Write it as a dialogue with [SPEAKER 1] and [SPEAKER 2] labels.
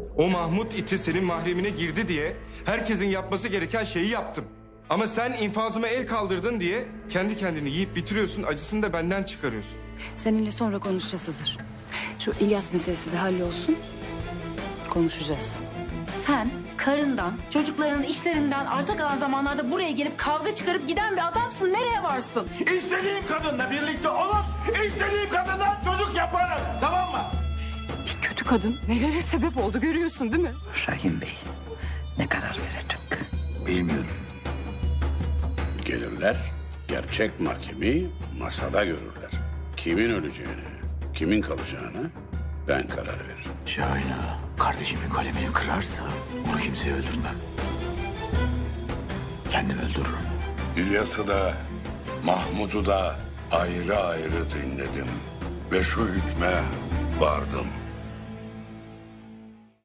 [SPEAKER 1] O Mahmut iti senin mahremine girdi diye herkesin yapması gereken şeyi yaptım. Ama sen infazıma el kaldırdın diye kendi kendini yiyip bitiriyorsun, acısını da benden çıkarıyorsun.
[SPEAKER 2] Seninle sonra konuşacağız Hızır. Şu İlyas meselesi bir hallolsun. Konuşacağız. Sen karından, çocuklarının işlerinden arta kalan zamanlarda buraya gelip kavga çıkarıp giden bir adamsın. Nereye varsın?
[SPEAKER 3] İstediğim kadınla birlikte olup istediğim kadından çocuk yaparım. Tamam mı?
[SPEAKER 2] Bir kötü kadın nelere sebep oldu görüyorsun değil mi?
[SPEAKER 4] Şahin Bey ne karar verecek?
[SPEAKER 3] Bilmiyorum.
[SPEAKER 5] Gelirler, gerçek mahkemeyi masada görürler. Kimin öleceğini, kimin kalacağını ben karar veririm.
[SPEAKER 3] Şahin ağa, kardeşimin kalemini kırarsa onu kimseye öldürmem. Kendim öldürürüm.
[SPEAKER 6] İlyas'ı da Mahmut'u da ayrı ayrı dinledim ve şu hükme vardım.